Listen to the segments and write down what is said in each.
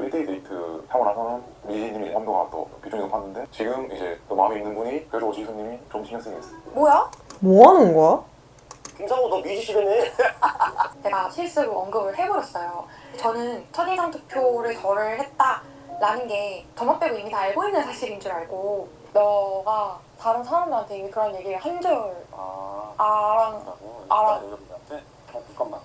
1대1 데이트 하고 나서는 미지님이 온도가 또 비중이 높았는데 지금 이제 또 마음에 있는 분이 그래도 지수님이 좀 신경 쓰이게 됐어. 뭐야? 뭐 하는 거야? 김상우 너 뮤지션이네. 제가 실수로 언급을 해버렸어요. 저는 첫인상 투표를 저를 했다라는 게 저만 빼고 이미 다 알고 있는 사실인 줄 알고 너가 다른 사람들한테 이미 그런 얘기를 한 줄 알아. 여러분한테 잠깐만.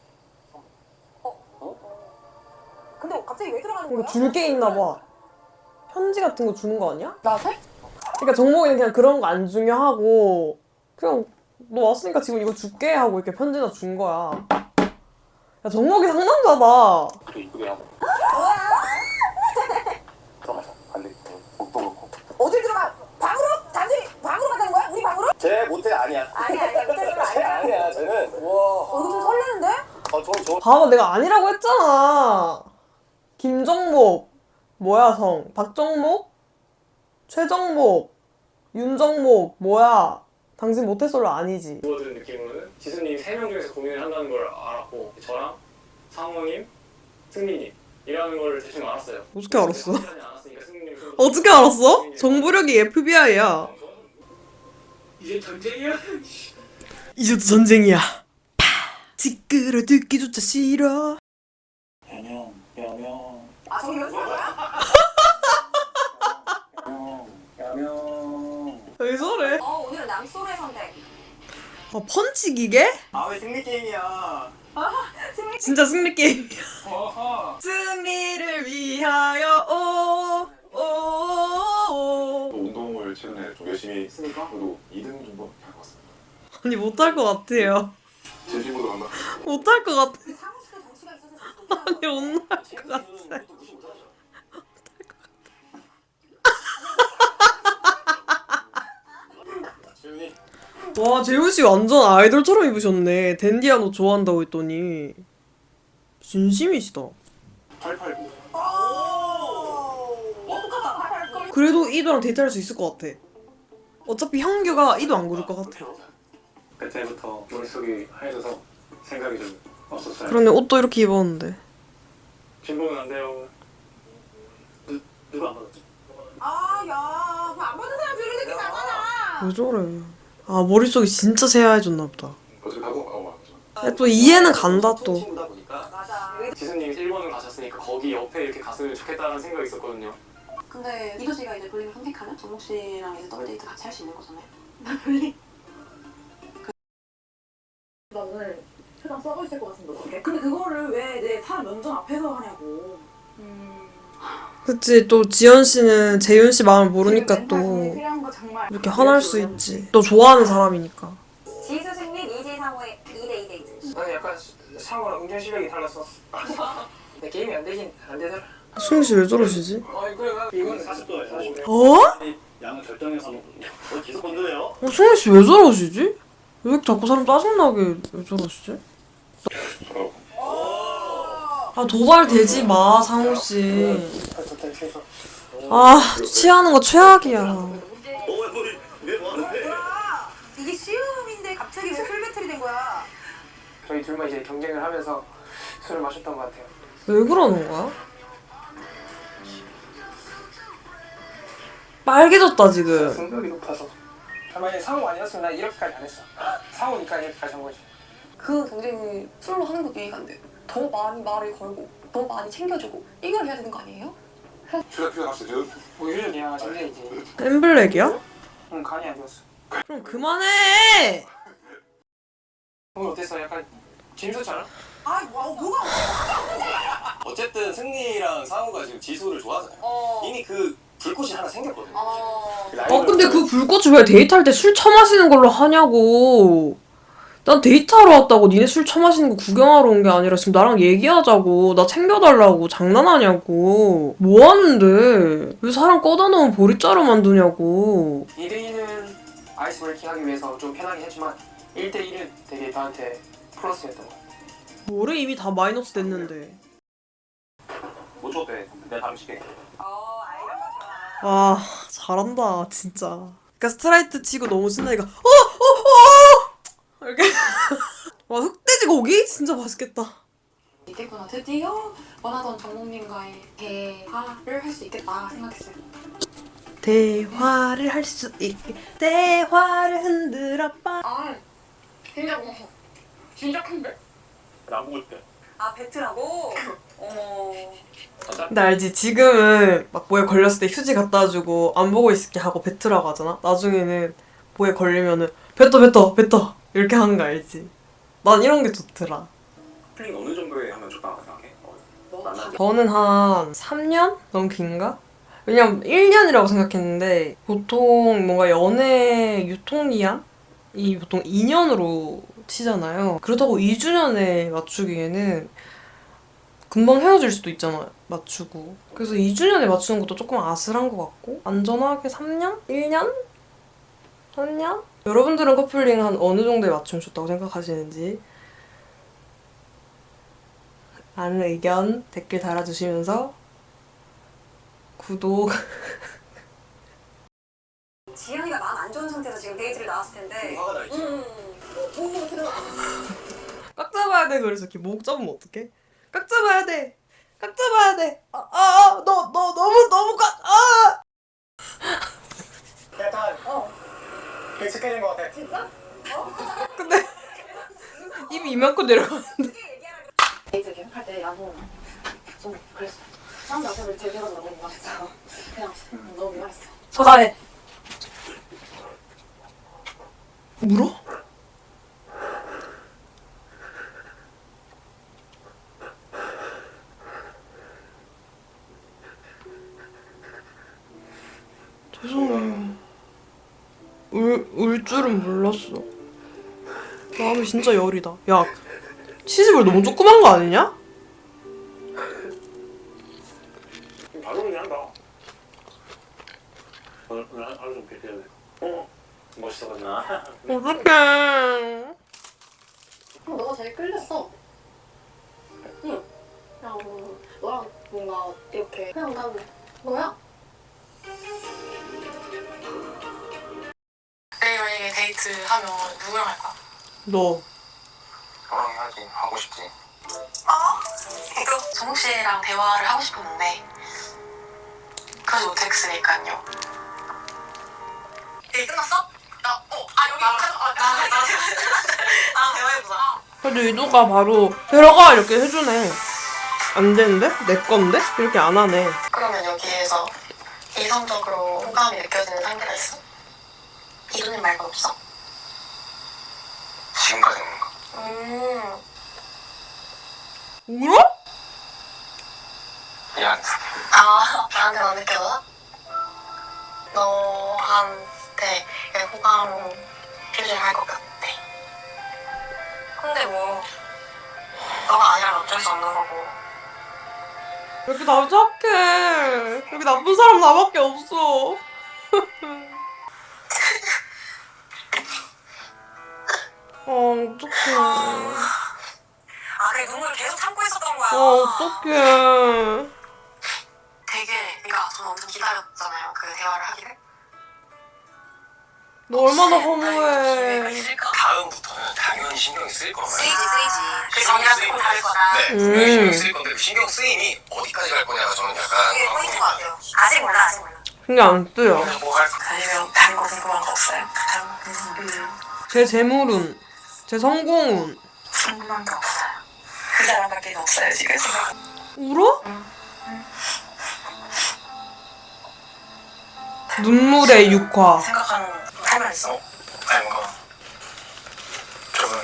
근데 갑자기 왜 들어가는 이거 거야? 줄 게 있나 봐. 편지 같은 거 주는 거 아니야? 나한테? 그러니까 정목이는 그냥 그런 거 안 중요하고 그냥 너 왔으니까 지금 이거 줄게 하고 이렇게 편지나 준 거야. 야 정목이 상남자다. 그래 이쁘게 하고 들어가서 관리 목도 그렇고 어딜 들어가? 방으로? 단순히 방으로 가자는 거야? 우리 방으로? 쟤 모텔 아니야. 아니야 못하는 거 쟤 아니야. 아니야. 쟤는 와. 이거 좀 설레는데? 저 봐봐 내가 아니라고 했잖아. 김정목 뭐야 성? 박정목? 최정목? 윤정목 뭐야? 당신 모태솔로 아니지? 주워들은 느낌으로는 지수님이 3명 중에서 고민을 한다는 걸 알았고 저랑 상호님, 승민님이라는 걸 대충 알았어요. 어떻게 알았어? 확실하지 않았으니까 승민님이 좀 더- 어떻게 알았어? 정부력이 FBI야. 이제 전쟁이야? 이제도 전쟁이야. 파! 시끄러 듣기조차 싫어. 야명. 아 저기 연습한 거야? 야명. 왜 저래? 오늘은 남소의 선택. 아 펀치 기계? 아왜 승리 게임이야. 진짜 승리 게임이야. 어허. 승리를 위하여 오. 또 운동을 최근에 좀 열심히 했으니까 그래도 2등 정도 할것 같습니다. 아니 못할 것 같아요. 진심으로 간다. 못할 것 같아. 그 사무실에 정치가 있어서 아니 못할 것 같아. 지훈이 와 재훈 씨 완전 아이돌처럼 입으셨네. 댄디한 옷 좋아한다고 했더니 진심이시다. 889. 그래도 이도랑 데이트할 수 있을 것 같아. 어차피 형규가 이도 안 고를 것 같아. 그때부터 머릿속이 하얘져서 생각이 좀 없었어요. 그러네 옷도 이렇게 입었는데. 진보는 안 돼요. 누가 안 받았지? 아야 그 안 받은 사람 별로 느낌 나잖아. 왜 저래? 아 머릿속이 진짜 새하얘졌나 보다. 어차피 하고 맞죠. 야, 또 이해는 간다 또. 친구다 보니까. 맞아. 지수님이 일본을 가셨으니까 거기 옆에 이렇게 갔으면 좋겠다는 생각이 있었거든요. 근데 이도 씨가 이제 볼링을 선택하면 정목 씨랑 이제 더블 데이트 같이 할 수 있는 거잖아요. 나 볼링. 나 오늘 표정 썩어 있을 것 같은데 어떡해? 근데 그거를 왜 내 사람 면전 앞에서 하냐고. 그치 또 지연 씨는 재윤 씨 마음을 모르니까 또 필요한 거 정말. 이렇게 화날 수 있지. 또 좋아하는 사람이니까. 지수 승리 이지상호의 2대2 데이트. 나는 약간 상호랑 운전 실력이 달라서 근데 게임이 안 되긴 안 되더라. 승희 씨 왜 저러시지? 그래 이건 40도야 40도. 어? 양은 결정해서 계속 건드네요. 승희 씨 왜 저러시지? 왜 자꾸 사람 짜증나게 왜 저러시지? 아 도발되지 마 상호 씨. 아 취하는 거 최악이야. 왜 뭐하는데? 이게 시음인데 갑자기 왜 술 배틀이 된 거야? 저희 둘만 이제 경쟁을 하면서 술을 마셨던 것 같아요. 왜 그러는 거야? 빨개졌다 지금. 성격이 높아서 만약에 상호 아니었으면 난 이렇게까지 안 했어. 상호니까 이렇게까지 한 거지. 그 경쟁이 술로 하는 것도 이해가 안 돼. 더 많이 말을 걸고 더 많이 챙겨주고 이걸 해야 되는 거 아니에요? 휴대하시죠. 뭐 유전이야 전쟁이지. 엠블랙이야? 응 간이 안 좋았어. 그럼 그만해. 오늘 어땠어? 약간 재밌었잖아? 아 뭐가 어쨌든 승리랑 상우가 지금 지수를 좋아하잖아요. 이미 그 불꽃이 하나 생겼거든요. 근데 그 불꽃을 왜 데이트할 때 술 처마시는 걸로 하냐고. 난 데이트하러 왔다고. 니네 술 처마시는 거 구경하러 온 게 아니라 지금 나랑 얘기하자고. 나 챙겨달라고. 장난하냐고. 뭐 하는데? 왜 사람 꺼다 놓으면 보리자루 만두냐고. 2대2는 아이스 브레이킹 하기 위해서 좀 편하긴 했지만 1대1은 되게 나한테 플러스였던 것 같아. 뭐래 이미 다 마이너스 됐는데. 못 줬대. 내가 다음 시게. 와 잘한다 진짜. 그러니까 스트라이트 치고 너무 신나니까 이렇게. 와 흑돼지 고기? 진짜 맛있겠다. 있겠구나. 드디어 원하던 정목님과의 대화를 할 수 있겠다 생각했어요. 대화를 할 수 있게 대화를 흔들어봐. 아 진짜 무서워. 진짜 큰데? 안 먹을 때. 아 배트라고? 어머. 근데 알지? 지금은 막 뭐에 걸렸을 때 휴지 갖다 주고 안 보고 있을게 하고 뱉으라고 하잖아? 나중에는 뭐에 걸리면은 뱉어 이렇게 하는 거 알지? 난 이런 게 좋더라. 커플링 어느 정도에 하면 좋다고 생각해? 만나지? 저는 한 3년? 너무 긴가? 왜냐면 1년이라고 생각했는데 보통 뭔가 연애 유통기한이 보통 2년으로 치잖아요. 그렇다고 2주년에 맞추기에는 금방 헤어질 수도 있잖아, 맞추고. 그래서 2주년에 맞추는 것도 조금 아슬한 것 같고 안전하게 3년? 1년? 3년? 여러분들은 커플링 한 어느 정도에 맞추면 좋다고 생각하시는지 많은 의견 댓글 달아주시면서 구독 지현이가 마음 안 좋은 상태에서 지금 데이트를 나왔을 텐데. 화가 나 있지? 오 들어. 깍 잡아야 돼. 그래서 이렇게 목 잡으면 어떡해? 깍 잡아야 돼. 깍 잡아야 돼. 너 너무 깍. 약간 익숙해진 것 같아. 진짜? 근데 입이 이만큼 내려가는데. 데이트 계속 할 때 나도 좀 그랬어. 사람들 앞에서 되게 너무 민망했어. 그냥 너무 민망했어. 서사해. 울어? 죄송해요. 울 줄은 몰랐어. 마음이 진짜 열이다. 야, 치즈볼 너무 조그만 거 아니냐? 바로 그냥 한다. 오늘 하루 좀 뵙해야 돼. 멋있어가지나. 어떡해. 너가 제일 끌렸어. 응. 그냥 너랑 뭔가 이렇게 그냥 난 너야. 내일 만약에 데이트하면 누구랑 할 거야? 너. 너랑 해야지. 하고 싶지. 이거 정욱 씨랑 대화를 하고 싶었는데 그러지 못했으니까요. 데이 끝났어? 여기 나 대화해보자. 그래도 이도가 바로 들어가 이렇게 해주네. 안 되는데? 내 건데? 이렇게 안 하네. 그러면 여기에서 이성적으로 호감이 느껴지는 상대가 있어? 이도님 말고 없어? 지금까지는 뭔가. 울어? 미안. 나한테 안 느껴져? 너한테 호감 표시를 할 것 같아. 근데 뭐 너가 아니라면 어쩔 수 없는 거고. 왜 이렇게 나 착해. 여기 나쁜 사람 나밖에 없어. 어떡해. 그래 눈물 계속 참고 있었던 거야. 어떡해. 그러니까 저는 엄청 기다렸잖아요. 그 대화를 하기를. 너 얼마나 기회가 허무해. 있을까? 다음부터는 당연히 신경이 쓰일 거예요. 쓰이지. 그 전이랑 조금 다를 거다. 네, 분명히 신경 쓰일 건데 그 신경 쓰임이 어디까지 갈 거냐가 저는 약간 그게 포인트인 것 같아요. 아직 몰라. 신경 안 쓰여. 뭐할 아니면 다른 거 궁금한 거 없어요? 제 재물운, 제 성공운. 궁금한 게 없어요. 그 사람밖에 없어요 지금. 울어? 눈물의 육화. 생각하는 할 말 있어? 아니 뭔가 조금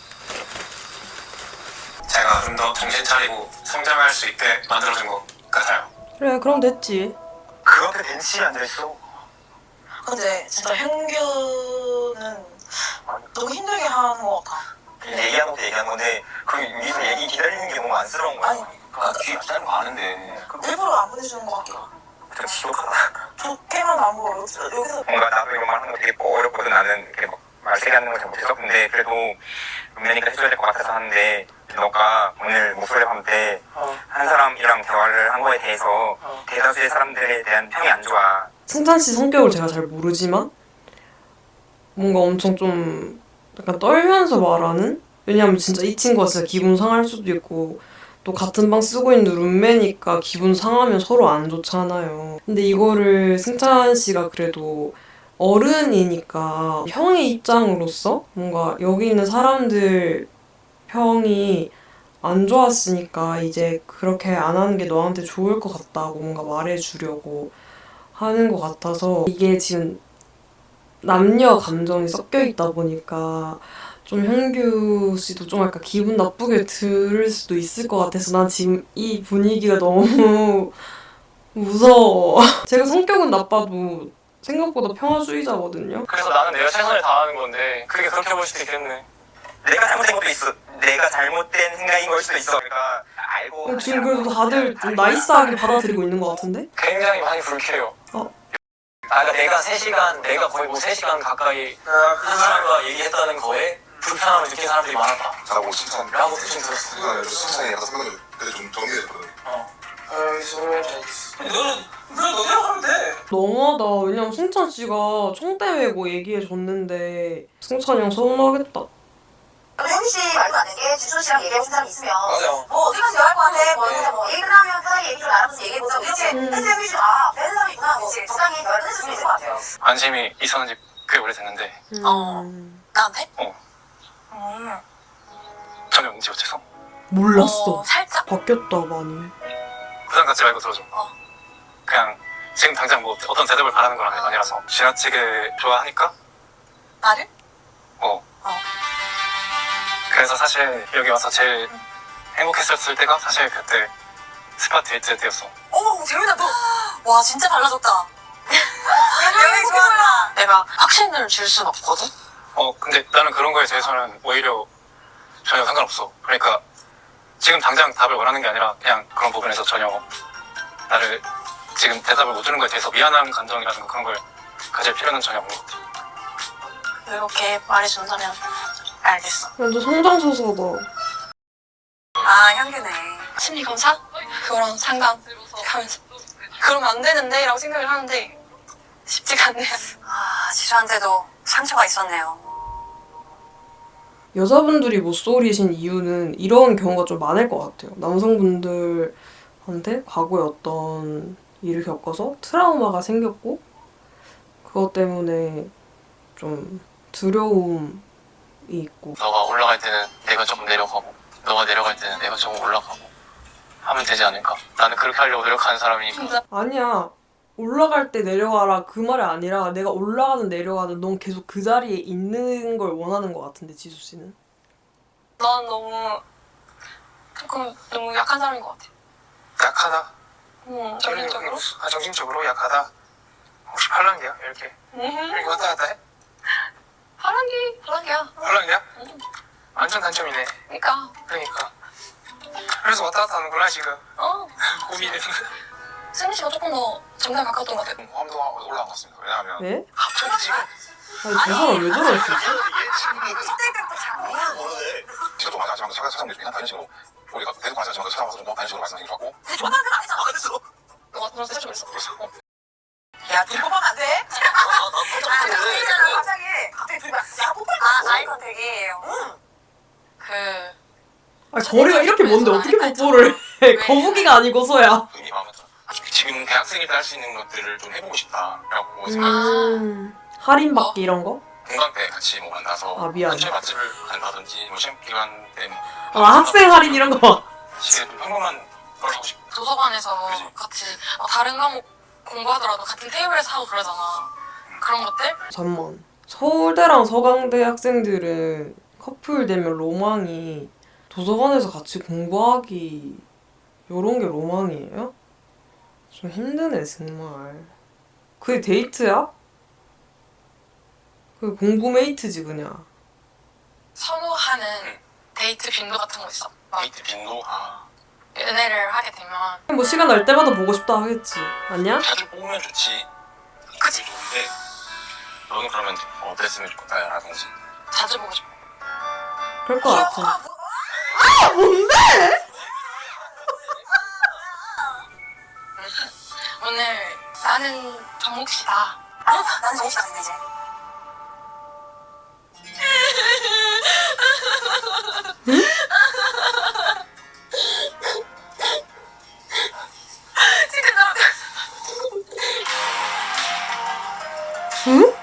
제가 좀 더 정신 차리고 성장할 수 있게 만들어준 것 같아요. 그래, 그럼 됐지. 그 앞에 벤치에 앉아있어. 근데 진짜 현규는 너무 힘들게 하는 것 같아. 얘기한 것도 얘기한 건데 그 위에서 얘기 기다리는 게 너무 안쓰러운 거야. 아니. 뒤에 기다리는 거 아는데 일부러 안 보내주는 것 같기도 하고. 좀 지독하다. 좋게만 안 보고 여기서 뭔가 나도 이런 말 하는 거 되게 어렵거든. 나는 이렇게 막 말세게 하는 걸 잘 못해서. 근데 그래도 은면이니까 해줘야 될 것 같아서 하는데 너가 오늘 목소리 밤 때 한 사람이랑 대화를 한 거에 대해서 대다수의 사람들에 대한 평이 안 좋아. 승찬 씨 성격을 제가 잘 모르지만 뭔가 엄청 좀 약간 떨면서 말하는? 왜냐면 진짜 이 친구가 진짜 기분 상할 수도 있고 또 같은 방 쓰고 있는 룸메니까 기분 상하면 서로 안 좋잖아요. 근데 이거를 승찬 씨가 그래도 어른이니까 형의 입장으로서 뭔가 여기 있는 사람들 평이 안 좋았으니까 이제 그렇게 안 하는 게 너한테 좋을 것 같다고 뭔가 말해주려고 하는 것 같아서 이게 지금 남녀 감정이 섞여 있다 보니까 좀 현규 씨도 좀 약간 기분 나쁘게 들을 수도 있을 것 같아서 난 지금 이 분위기가 너무 무서워. 제가 성격은 나빠도 생각보다 평화주의자거든요. 그래서 나는 내가 최선을 다하는 건데 그게 그렇게 볼 수도 있겠네. 내가 잘못된 것도 있어. 내가 잘못된 생각인 걸 수도 있어. 그러니까 알고 지금 그래도 다들 좀 나이스하게 받아들이고 있는 것 같은데? 굉장히 많이 불쾌해요. 그러니까 내가 3시간, 내가 거의 뭐 3시간 가까이 한 사람과 얘기했다는 거에 불편함을 느낀 사람들이 많았다 나보고 칭찬 라고 대충 들었어. 그거는 칭찬이 약간 생각이 그때 좀 정리해줬거든. 너는 너대로 하면 돼. 너무하다. 왜냐면 승찬 씨가 총대 메고 얘기해줬는데 승찬이 형 서운하겠다. 현희 씨 말도 안 되는 게 지수 씨랑 얘기하고 싶은 사람이 있으면 맞아. 뭐 어디 가서 대화할 것 같아 뭐 진짜 뭐 얘기 끝나면 편하게 얘기 좀 나눠서 얘기해보자 이렇게 했으면 현희 씨가 되는 사람이 있구나 뭐 적당히 대화를 끝낼 수 있을 것 같아요. 관심이 있었는지 꽤 오래됐는데 나한테? 전혀 문제 못해서 몰랐어. 살짝? 바뀌었다 많이. 부담 갖지 말고 들어줘. 그냥 지금 당장 뭐 어떤 대답을 바라는 건 아니라서 지나치게 좋아하니까 나를? 그래서 사실 여기 와서 제일 행복했었을 때가 사실 그때 스파 데이트 때였어. 어머 재민아 너 와 진짜 달라졌다. 여기 좋아한다. 내가 확신을 줄 순 없거든? 근데 나는 그런 거에 대해서는 오히려 전혀 상관없어. 그러니까 지금 당장 답을 원하는 게 아니라 그냥 그런 부분에서 전혀 나를 지금 대답을 못 주는 거에 대해서 미안한 감정이라든가 그런 걸 가질 필요는 전혀 없는 것 같아. 이렇게 말해준다면 알겠어. 완전 성장소서다. 아 현규네. 심리검사? 그거랑 상담 하면서 그러면 안 되는데 라고 생각을 하는데 쉽지가 않네요. 아 지수한테도 상처가 있었네요. 여자분들이 못소리신 이유는 이런 경우가 좀 많을 것 같아요. 남성분들한테 과거에 어떤 일을 겪어서 트라우마가 생겼고 그것 때문에 좀 두려움이 있고. 너가 올라갈 때는 내가 조금 내려가고 너가 내려갈 때는 내가 조금 올라가고 하면 되지 않을까? 나는 그렇게 하려고 노력하는 사람이니까. 아니야. 올라갈 때 내려가라 그 말이 아니라 내가 올라가든 내려가든 넌 계속 그 자리에 있는 걸 원하는 것 같은데 지수 씨는? 넌 너무 조금 너무 약한 사람인 것 같아. 약하다. 정신적으로? 정신적으로 약하다. 혹시 팔랑귀야? 이렇게 왔다 갔다 해? 파랑기야. 팔랑귀야? 완전 단점이네. 그러니까. 그래서 왔다 갔다 하는구나 지금. 고민이. 승민 씨가 조금 더 정답 가까웠던 것 같아. 화음도 올라간 것 같습니다. 왜냐하면 네? 갑자기 지금. 아니 저 사람 왜 저럴 수 있어? 시간 좀 많이 하지만 사장님들 그냥 다른 식으로 우리가 계속 관심하지만 찾아와서 좀 더 다른 식으로 말씀해 주셨고 좋아하는 건 아니잖아. 너가 그런 세션 그랬어. 야, 둘이 뽀뽀하면 안 돼? 갑자기 둘이 야, 뽀뽀할 거야. 아이 컨택이에요. 아니 거리가 이렇게 먼데 어떻게 뽀뽀를 해? 거북이가 아니고서야. 의미 마음에 들어. 지금 대학생일 때 할 수 있는 것들을 좀 해보고 싶다라고 할인 받기 이런 거? 공강 때 같이 뭐 만나서 아, 미안. 근처에 맛집을 간다든지 뭐 시험 기간 때 아 학생 할인 이런 거. 시간 좀 평범한 걸 하고 싶어. 도서관에서 그치. 같이 다른 과목 공부하더라도 같은 테이블에서 하고 그러잖아. 그런 것들? 잠만. 서울대랑 서강대 학생들은 커플 되면 로망이 도서관에서 같이 공부하기 요런 게 로망이에요? 좀 힘드네 정말. 그게 데이트야? 그게 공부 메이트지 그냥. 선호하는 데이트 빈도 같은 거 있어. 막 데이트 빈도 연애를 하게 되면 뭐 시간 날 때마다 보고 싶다 하겠지. 아니야? 자주 보면 좋지. 그치? 좋은데 너는 그러면 어땠으면 좋겠다라든지 자주 보고 싶어. 그럴 것 같아. 오늘 나는 정목 씨다. 나는 정목 씨가 됐네 이제. 응?